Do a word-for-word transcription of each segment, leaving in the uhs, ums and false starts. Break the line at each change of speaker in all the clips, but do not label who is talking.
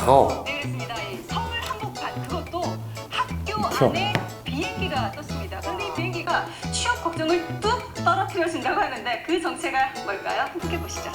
차가워.
네, 그렇습니다. 이 서울 한복판 그것도 학교 안에 비행기가 떴습니다. 그런데 이 비행기가 취업 걱정을 뚝 떨어뜨려준다고 하는데 그 정체가 뭘까요? 함께 보시죠.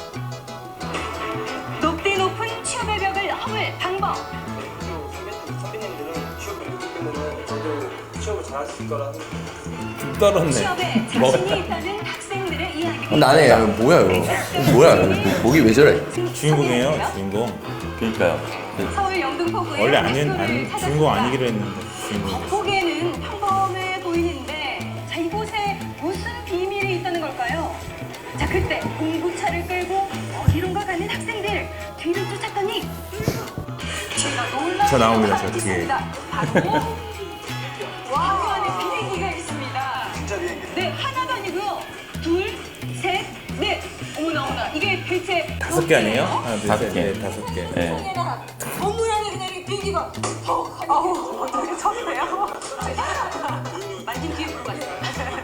높디 높은 취업의 벽을 허물 방법.
선배님들은 취업을 했기 때문에 저도 취업을 잘할 수 있을 거라
좀 떨었네.
취업에 자신이 있다는 학생들의 이야기.
어, 나네. 야, 뭐야 이거? 뭐야? 이거 목이 왜 저래?
주인공이에요, 주인공.
그러니까요.
서울 영등포구의
원래 아닌
학교를
아니,
찾았습니다.
주인공 아니기로 했는데 주인공.
겉보기에는 평범해 보이는데 자 이곳에 무슨 비밀이 있다는 걸까요? 자 그때 공구차를 끌고 어디론가 가는 학생들 뒤를 쫓았더니 제가 놀라운
저 나옵니다,
것을
저 뒤에.
발견했습니다. 바로 와 안에 비행기가 있습니다.
진짜 비행기.
네 하나도 아니고요. 둘, 셋, 넷. 어머나 어머나 이게 대체
다섯 개 아니에요? 하나, 둘,
다섯
셋,
개.
넷, 다섯 개.
네.
건물 안에 그냥 이 비행기가 어, 아우 어떻게 처음이에요? 만진 뒤에 물어봤어요.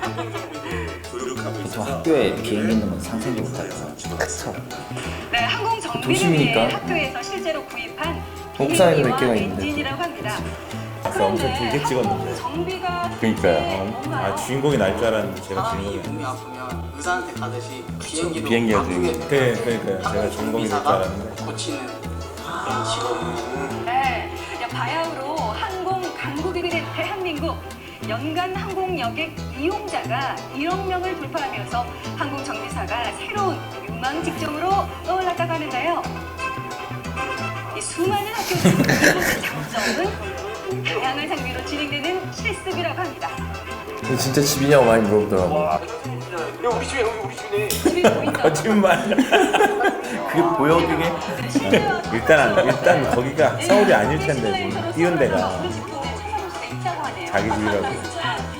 보통 학교에 비행기 있는 건 상상도 못하죠.
그쵸.
네, 항공 정비를
도심이니까.
위해 학교에서 실제로 구입한
옥상에도 몇
비행기와
개가 있는데.
엔진이라고 합니다.
아까 엄청
그런데
길게 찍었는데.
항공 정비가
그러니까요.
네,
아 주인공이 날 줄 알았는데 제가
사람이
주인공이
몸이
아니에요.
아프면 의사한테 가듯이 비행기도
비행기가
아프게
주인공.
네, 그러니까요. 제가 주인공이 될 줄
정비사가
알았는데.
고치는 그런 직업.
네, 바야흐로 항공 강국이 된 대한민국. 연간 항공 여객 이용자가 일억 명을 돌파하면서 항공 정비사가 새로운 유망 직종으로 떠올랐다고 하는데요. 이 수많은 학교들 이곳의 장점은 다양한 장비로 진행되는 실습이라고 합니다.
이거 진짜 집이냐고 많이 물어보더라고.
야 우리 집에 여기 우리 집이네.
집이 보인다.
거짓말.
그게 보여 그게?
일단 일단 거기가 서울이 아닐 텐데 지금 띄운 데가 자기 집이라고.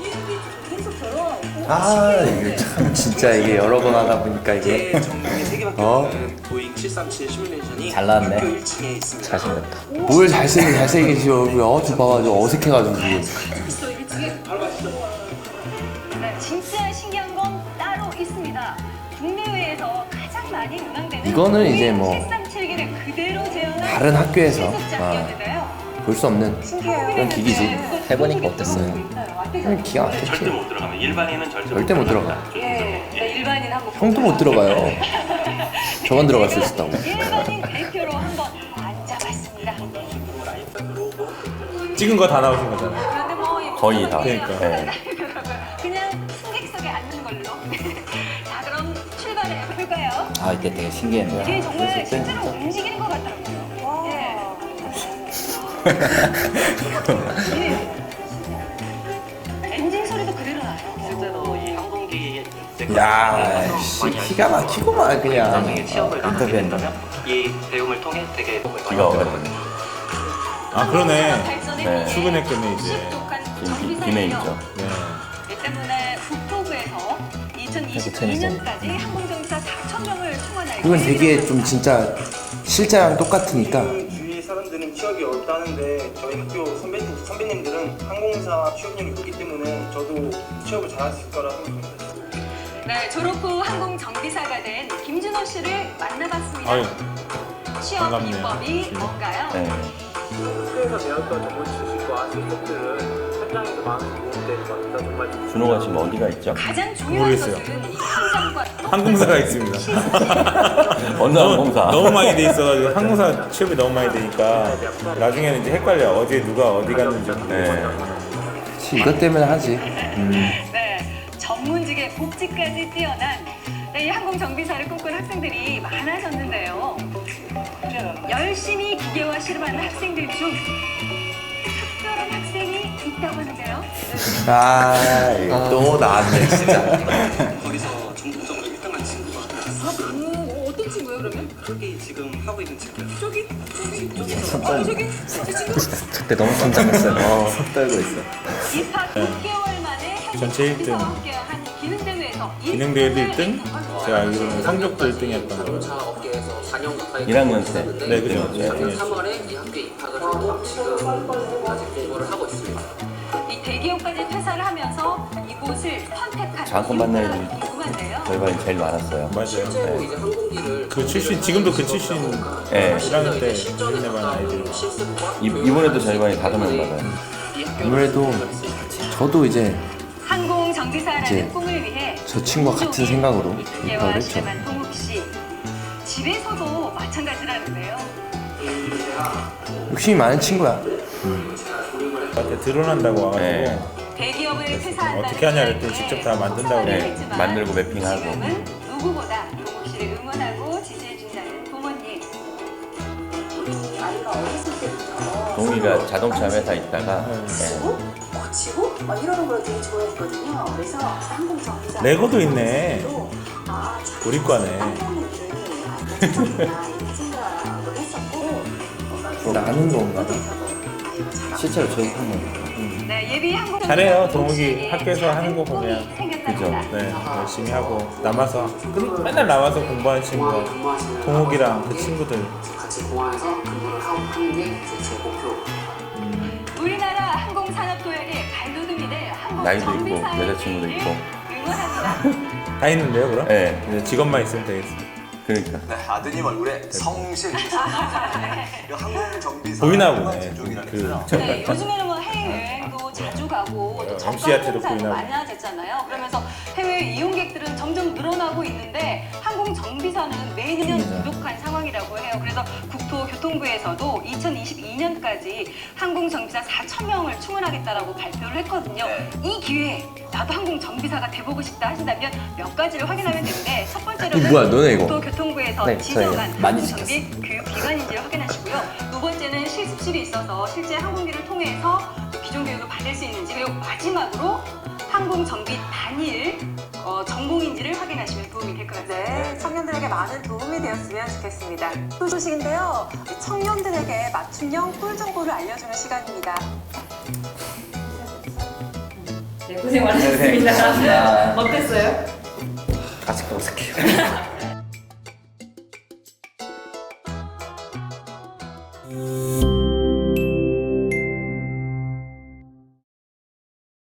아 이거 참 진짜 이게 여러 번 하다 보니까 이게
제 전공이 세 개밖에
어?
없는 보잉 칠삼칠 시뮬레이션이
잘 나왔네.
학교 일 층에 있습니다.
자신있다.
뭘 잘생긴 잘생기지 얼굴 어저 봐봐 저 어색해가지고 지금.
네, 진짜 신기한 건 따로 있습니다. 국내외에서 가장 많이 운항되는
이거는 이제 뭐
칠삼칠기를 그대로 재현한
다른 학교에서
실습장이었는데요.
볼 수 없는 그런 기기지.
해보니까 어땠어요?
그냥 기가 막혔지.
절대 못 들어가면 일반인은 절대,
절대 못 들어가.
예, 네, 일반인 한번
형도 못 들어가요. 저만 들어갈 수 있었다고.
일반인 대표로 한번 앉아봤습니다.
찍은 거 다 나오신 거잖아요.
그런데 뭐 이
거의 다.
그냥
그러니까.
그냥 승객석에 앉는 걸로. 자 그럼 출발해 볼까요?
아 이때 되게 신기했네요.
이게 정말
그랬을 때
실제로
진짜.
움직이는 것 같더라고요. 예. 예. 엔진 소리도 그대로 나요.
실제로 이 항공기
야, 씨, 기가 막히고만 그냥.
나중에 취업을 하게
인터뷰했나?
된다면 이 배움을 통해 되게
기가 막히네.
아 그러네.
네.
출근했겠네 이제.
지금 비메이죠.
네.
이 때문에 국토부에서 이천이십이 년까지 항공정사 사천 명을 충원할
이건 되게 좀 진짜 실제랑 똑같으니까.
주위 사람들은 취업이 어렵다는데 저희 학교 선배님 선배님들은 항공사 취업률이 높기 때문에 저도 취업을 잘할 수 있을 거라 생각합니다.
네, 졸업 후 항공 정비사가 된 김준호 씨를 만나봤습니다.
아유
취업
반갑네요.
비법이 뭔가요?
네.
학교에서 배웠던 전문 지식과 실습들은 현장에서 많은 도움이 되는 것 같아서 정말 좋습니다.
준호가 지금 어디가 있죠?
가장 중요한
모르겠어요.
것은 이 현장과
항공사가 있습니다.
어느
너무,
항공사?
너무 많이 돼 있어가지고 항공사 취업이 너무 많이 되니까 나중에는 이제 헷갈려. 어디에 누가 어디 갔는지.
네.
그치, 이것 때문에 하지.
네, 전문직의 복지까지 뛰어난 네, 이 항공 정비사를 꿈꾼 학생들이 많아졌는데요. 열심히 기계와 실험하는 학생들 중 특별한 학생이 있다고 하는데요.
아, 이거 또 나왔네 진짜.
거기서 전공적으로 일 등한 친구가
아, 그 어떤 친구예요 그러면?
저기 지금 하고 있는 친구예요.
저기 저기 저기 아, 저기 저 친구
그때 너무 긴장했어요. 어, 손 떨고 있어.
입학 육 개월 만에
전체 일 등.
함께한 기능대회에서
기능대회도 일 등? 제가 알기로는 성적도 일 등이었던 거예요.
자동차 업계에서 사 년 가까이
일 학년 때.
네, 그죠. 네,
작년
네.
삼월에 이 학교에 입학을 하고 지금 아직 공부를 하고 있습니다.
이 대기업까지 퇴사를 하면서 이곳을 선택한
장학금 받는
이유가
애들.
궁금합니다. 궁금한데요.
절반이 제일 많았어요.
맞아요.
실제로 이제 항공기를
그 출신 지금도 그 출신
네.
일 학년 때 유인해반 아이들.
이, 이번에도 절반이 다섯 명 받아요.
아무래도 저도 이제
항공 정비사라는
이제
꿈을 위해
저 친구와 같은 생각으로
입학을
입학을 했죠.
했지만 동욱 씨 집에서도 마찬가지라는데요.
욕심이 많은 친구야.
저한테 드론한다고 와가지고
네.
대기업을 퇴사한다는
어떻게 하냐 그랬더니 직접 다 만든다고
네, 만들고 매핑하고.
지금은 누구보다 동욱 씨를 응원하고 지지해준다는 부모님.
아이가 어렸을 때부터
동이가 자동차 회사 있다가 네.
치고 거치고 막 이러는 걸 되게 좋아했거든요. 그래서 항공 정비사
레고도 있네.
아,
우리 과네.
항공을 이렇게 생각을 했었고
나는 건가? 실제로 저희 하면
네, 예비 항공
잘해요. 동욱이 학교에서 하는 거 보면.
그죠?
네, 열심히 하고 남아서 그- 맨날 남아서 공부하는 친구가 동욱이랑 그 친구들.
같이 공항에서 근무를 하고 하는 게 이제 제 목표.
우리나라 항공 산업 도약의 발돋움이 될 항공
나이도 있고,
정비사의
여자친구도
일을
있고.
응원합니다.
다 있는데요, 그럼?
네.
이제 직업만 있으면 되겠어.
그러니까
네, 아드님 얼굴에 성실. 이 항공 정비사
보이나 보네.
제조기라는
그
거죠.
네, 요즘에는 뭐 해외여행도 자주 가고 또
어, 엠씨한테도
접견
보이나
행사도 많아졌잖아요. 그러면서 해외 이용객들은 점점 늘어나고 있는데 항공 정비사는 매년 부족한 상황이라고 해요. 그래서 국토교통부에서도 이천이십이 년까지 항공 정비사 사천 명을 충원하겠다라고 발표를 했거든요.
네.
이 기회에 나도 항공 정비사가 돼보고 싶다 하신다면 몇 가지를 확인하면 되는데 첫
이
번째로는
뭐야, 너네 이거?
국토교통부에서
네,
지정한
저희 많이
항공 정비 교육기관인지를 확인하시고요. 두 번째는 실습실이 있어서 실제 항공기를 통해서 기존 교육을 받을 수 있는지, 그리고 마지막으로 항공 정비 단일 어, 전공인지를 확인하시면 도움이 될 것 같아요.
네, 청년들에게 많은 도움이 되었으면 좋겠습니다. 또 소식인데요. 청년들에게 맞춤형 꿀 정보를 알려주는 시간입니다.
네, 고생 많으셨습니다. 어땠어요?
아직도 어색해요.